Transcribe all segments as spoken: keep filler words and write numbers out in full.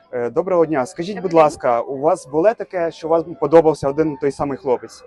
Е, Доброго дня. Скажіть, будь ласка, у вас було таке, що вам подобався один той самий хлопець?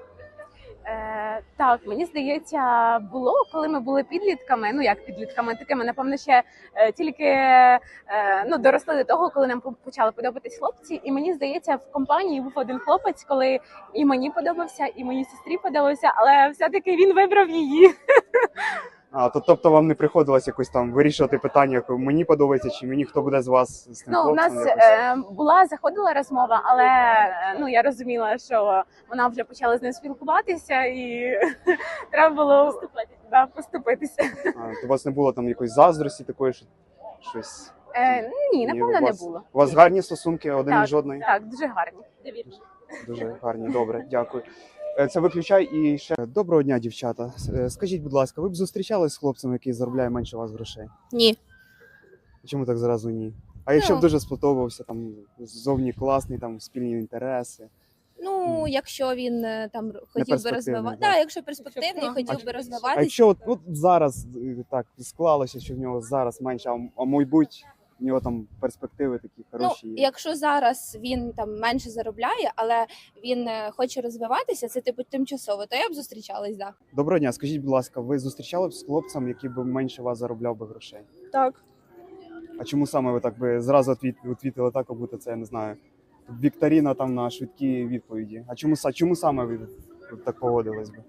Е, так, мені здається, було, коли ми були підлітками. Ну як підлітками, такими, напевно, ще е, тільки е, ну доросли до того, коли нам почали подобатись хлопці. І мені здається, в компанії був один хлопець, коли і мені подобався, і моїй сестрі подобався, але все-таки він вибрав її. А, то, тобто вам не приходилось якось там вирішувати питання, як мені подобається, чи мені хто буде з вас з тим Ну, у хлопцем? нас якось? е, була заходила розмова, але е, ну я розуміла, що вона вже почала з ним спілкуватися, і треба було поступитися. Да, поступитися. А, то у вас не було там якоїсь заздрості такої, що щось? Е, ні, напевно, у не вас, було. У вас гарні стосунки, один Так, між одною? Так, дуже гарні. Довірчі. Дуже гарні, добре, дякую. Е, Це виключай і ще. Доброго дня, дівчата. Е, Скажіть, будь ласка, ви б зустрічались з хлопцем, який заробляє менше вас грошей? Ні. Чому так зразу ні? А якщо б Ну. дуже сподобався, там зовні класний, там спільні інтереси. Ну, якщо він е, там хотів би перспективний, розвивати, так. да, якщо перспективний, Якщо хотів прагматичний. би А розвиватися. якщо от, от зараз е, так склалося, що в нього зараз менше, а, м- а мабуть, в нього там перспективи такі Ну, хороші є. якщо зараз він там менше заробляє, але він е, хоче розвиватися, це типу тимчасово, то я б зустрічалась, да. Доброго дня, скажіть, будь ласка, ви зустрічали б з хлопцем, який би менше вас заробляв би грошей? Так. А чому саме ви так би зразу відвіт- відвітили так, як будто це, я не знаю, вікторина там на швидкі відповіді? А чому, са- чому саме ви так поводились би?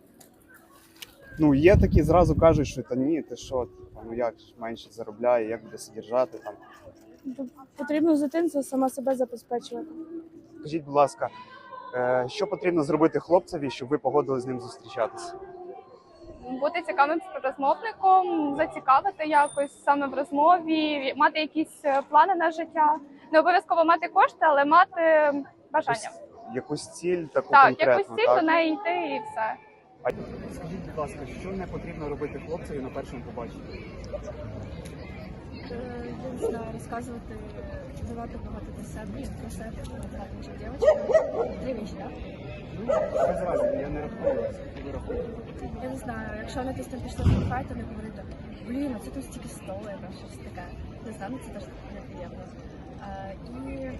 Ну, є такі, зразу кажуть, що та ні, ти що, типа, ну як ж менше заробляє, як буде содержати там. Потрібно з дитинства сама себе забезпечувати. Скажіть, будь ласка, е, що потрібно зробити хлопцеві, щоб ви погодились з ним зустрічатися? Бути цікавим співрозмовником, зацікавити якось саме в розмові, мати якісь е, плани на життя. Не обов'язково мати кошти, але мати бажання. Якусь, якусь ціль таку Так, конкретну, якусь ціль, так? до неї йти і все. Скажіть, будь ласка, що не потрібно робити хлопцеві на першому побаченні? Я не знаю, розказувати, давати багато про себе, про себе, чи дівчинка. Дві вічі, так? Ну, без разу, я не рахую вас, ви рахуєте. Я не знаю, якщо вони десь там пішли в кафе, то не говорити, блін, а це тут стільки столи, або щось таке. Не знаю, ну це теж неприємно. А, і,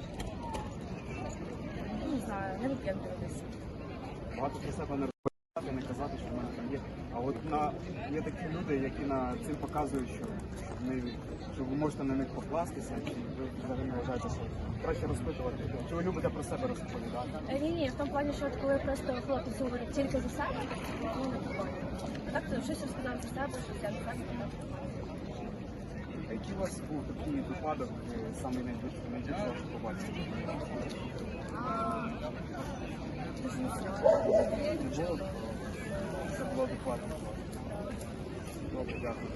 ну, не знаю, не вип'єднуватися. Багато про себе не розповідати, не казати, що в мене там є. А от на є такі люди, які на цим показують, що вони що ви можете на них покластися, чи ви взагалі не вважаєте, що краще розпитувати, чи ви любите про себе розповідати? Е, Ні, ні, в тому плані, що от коли просто хлопець говорить тільки за себе, ну не прикольно. Так, то щось розказав за себе, щось я не так. А який у вас був такий випадок, е, самий найбільший, найбільший ваш побачив? Дуже не серйозно. Не було? Це було адекватно. Добре, дякую.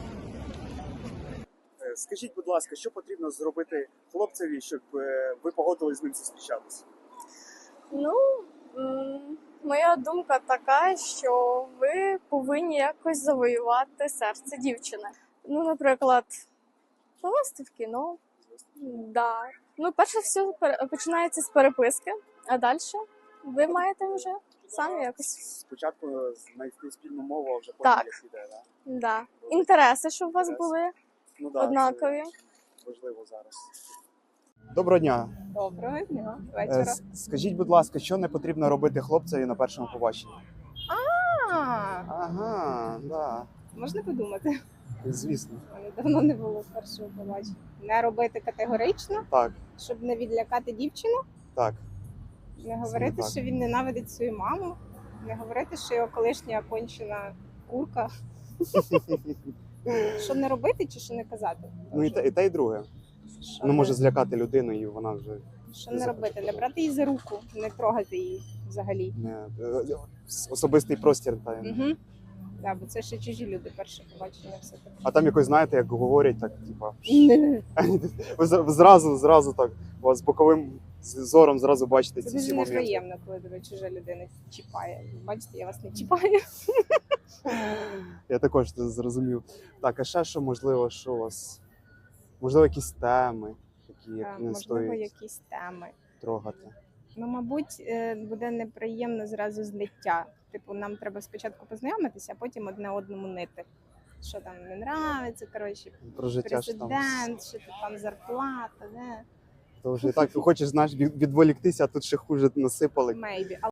Е, Скажіть, будь ласка, що потрібно зробити хлопцеві, щоб е, ви погодились з ним зустрічатися? Ну, м, моя думка така, що ви повинні якось завоювати серце дівчини. Ну, наприклад, повести в кіно. Да. Ну, перше все пер- починається з переписки, а далі ви маєте вже самі якось. Спочатку знайти спільну мову, а вже потім Так. як іде, так? Да. Інтереси, щоб у вас Інтереси. були Ну, да, однакові. це важливо зараз. Доброго дня. Доброго дня. Е, Вечора. с- Скажіть, будь ласка, що не потрібно робити хлопцеві на першому побаченні? А, Ага, да, можна подумати. звісно. Мене давно не було першого побачення. Не робити категорично, Так, щоб не відлякати дівчину, так. не говорити, так. що він ненавидить свою маму, не говорити, що його колишня кончена курка. Що не робити чи що не казати? Ну і те, і те, і друге. Що Ну, не- може злякати людину, і вона вже Що не робити? Не брати її за руку, не трогати її взагалі. не е, особистий простір. Та, Угу. Да, бо це ще чужі люди, перше побачення все таке. А там якось, знаєте, як говорять, так, типа, ви з- ви зразу, зразу так, у вас боковим з- зором зразу бачите Це ці дуже всі моменти. неприємно, коли тебе чужа людина чіпає. Бачите, я вас не чіпаю. Я також це зрозумів. Так, а ще що можливо, що у вас? Можливо, якісь теми, такі, Е, які не Можливо, стоїть якісь теми. трогати. Ну, мабуть, е, буде неприємно зразу злиття. Типу, нам треба спочатку познайомитися, а потім одне одному нити. Що там не нравиться, коротше, Про життя ж там. президент, що то там зарплата, де. То вже і так хочеш, знаєш, від- відволіктися, а тут ще хуже насипали. Maybe.